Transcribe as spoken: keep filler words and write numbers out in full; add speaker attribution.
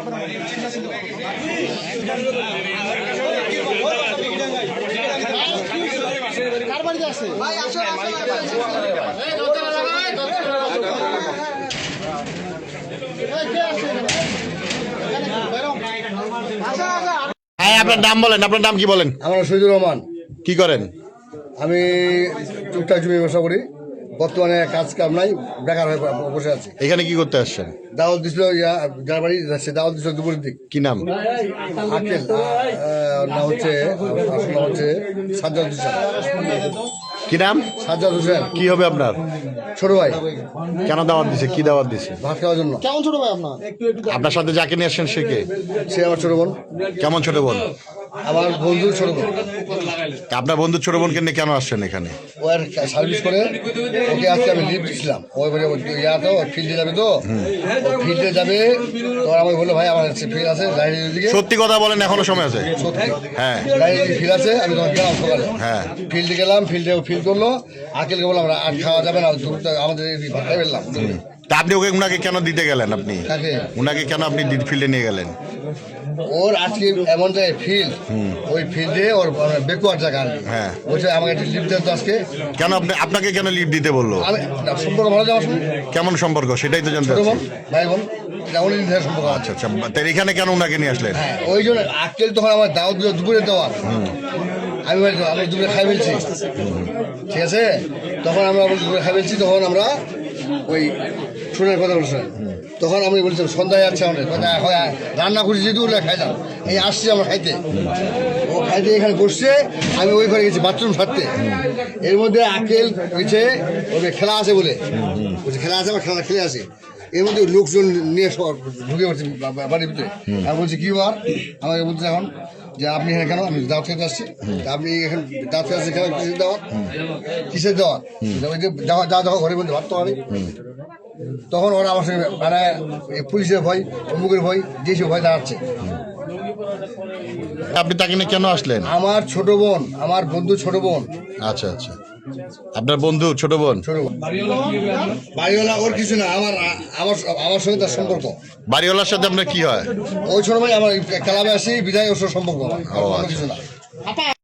Speaker 1: হ্যাঁ, আপনার নাম বলেন। আপনার নাম কি বলেন?
Speaker 2: আমার শহীদুর রহমান।
Speaker 1: কি করেন?
Speaker 2: আমি টুকটাক জমি ব্যবসা করি। বর্তমানে কাজ কাম নাই, বেকার হয়ে বসে আছি।
Speaker 1: এখানে কি করতে আসছেন?
Speaker 2: দাওয়াত দিছিল, যার বাড়ি যাচ্ছে দাওয়াত দিছিল দুপুরের দিক।
Speaker 1: কি নাম?
Speaker 2: আকেল নাম হচ্ছে, আসল নাম হচ্ছে সাজ্জাদ হোসেন।
Speaker 1: কি নাম?
Speaker 2: সাজ্জাদ হোসেন।
Speaker 1: কি হবে আপনার?
Speaker 2: ছোট ভাই।
Speaker 1: কেন দাওয়াত দিছে? কি দাওয়াত দিছে?
Speaker 2: ভাত খাওয়ার জন্য।
Speaker 3: কেমন ছোট ভাই আপনার?
Speaker 1: আপনার সাথে যাকে নিয়ে আসছেন সে কে?
Speaker 2: সে আমার ছোট বোন।
Speaker 1: কেমন ছোট বোন?
Speaker 2: আমার বন্ধুর ছোট বোন।
Speaker 1: আপনার বন্ধুর ছোট বোনকে নিয়ে কেন আসছেন এখানে?
Speaker 2: ও আর সার্ভিস করে, ওকে আজকে আমি লিভ দিচ্ছিলাম। ওই বলে ইয়া তো ফিল্ডে যাবে, তো ফিল্ডে যাবে। তো আমি বললো ভাই আমার ফিল্ড আছে লাইনের দিকে।
Speaker 1: সত্যি কথা বলেন, এখনো সময় আছে?
Speaker 2: সত্যি।
Speaker 1: হ্যাঁ,
Speaker 2: লাইনের ফিল্ড আছে। আমি তখন গেলাম সকালে।
Speaker 1: হ্যাঁ,
Speaker 2: ফিল্ডে গেলাম, ফিল্ডে ফিল্ড করলো। আকেলকে বললাম আর খাওয়া যাবে না, আমাদের ভাতটাই ফেললাম।
Speaker 1: তা আপনি ওকে উনাকে কেন দিতে গেলেন? আপনি
Speaker 2: কাকে?
Speaker 1: উনাকে কেন আপনি ফিল্ডে নিয়ে গেলেন?
Speaker 2: ওর আজকে এমন জায়গায় ফিল্ড, ওই ফিল্ডে ওর বেকুয়ার জায়গা।
Speaker 1: হ্যাঁ,
Speaker 2: বলছে আমাকে একটা লিফট দেন তো আজকে।
Speaker 1: কেন আপনি আপনাকে কেন লিভ দিতে বললো?
Speaker 2: আমি সম্পর্ক ভালো যাওয়ার সময়।
Speaker 1: কেমন সম্পর্ক সেটাই তো জানতে
Speaker 2: ছোট বোন,
Speaker 1: চাচ্ছি।
Speaker 2: ভাই বোন, অনেক দিন ধরে সম্পর্ক।
Speaker 1: আচ্ছা আচ্ছা, তাই এখানে কেন উনাকে নিয়ে আসলেন?
Speaker 2: হ্যাঁ, ওই জন্য আকেল তখন আমার দাওয়াত দিল, দুপুরে দেওয়া। আমি আমি দুপুরে খাই ফেলছি, ঠিক আছে। তখন আমরা দুপুরে খাই ফেলছি, তখন আমরা ওই শোনার কথা বলছিলাম। তখন আমি বলছিলাম সন্ধ্যায় যাচ্ছে আমাদের কথা, রান্না করছি যেহেতু ওরা খাই না, এই আসছি আমরা খাইতে। ও খাইতে এখানে বসছে, আমি ওই ঘরে গেছি বাথরুম সারতে। এর মধ্যে আকেল হয়েছে ওদের খেলা আছে বলে, বলছে খেলা আছে, আমার খেলা খেলে আসে। এর মধ্যে লোকজন নিয়ে ঢুকে পড়ছে বাড়ির ভিতরে। আমি বলছি কি বার, আমাকে বলছে এখন যে আপনি এখানে কেন? আমি দাওয়াত খেতে আসছি। আপনি এখানে দাওয়াত খেতে আসছি কেন? কিসের দাওয়াত? কিসের দাওয়াত? ওই যে যাওয়া যাওয়া দেখো ঘরের মধ্যে ভাত তো আনি। তখন ওরা আমার সঙ্গে মানে পুলিশের ভয়, অমুকের ভয়, যেসব ভয় দাঁড়াচ্ছে।
Speaker 1: আপনি তাকে নিয়ে কেন আসলেন?
Speaker 2: আমার ছোট বোন, আমার বন্ধু ছোট বোন।
Speaker 1: আচ্ছা আচ্ছা, আপনার বন্ধু ছোট বোন।
Speaker 2: ছোট বোন বাড়িওয়ালা, ওর কিছু না, আমার আমার আমার সঙ্গে তার সম্পর্ক।
Speaker 1: বাড়িওয়ালার সাথে আপনার কি হয়?
Speaker 2: ওই ছোট ভাই আমার ক্লাবে আসি বিদায়, ওর সঙ্গে সম্পর্ক, কিছু না।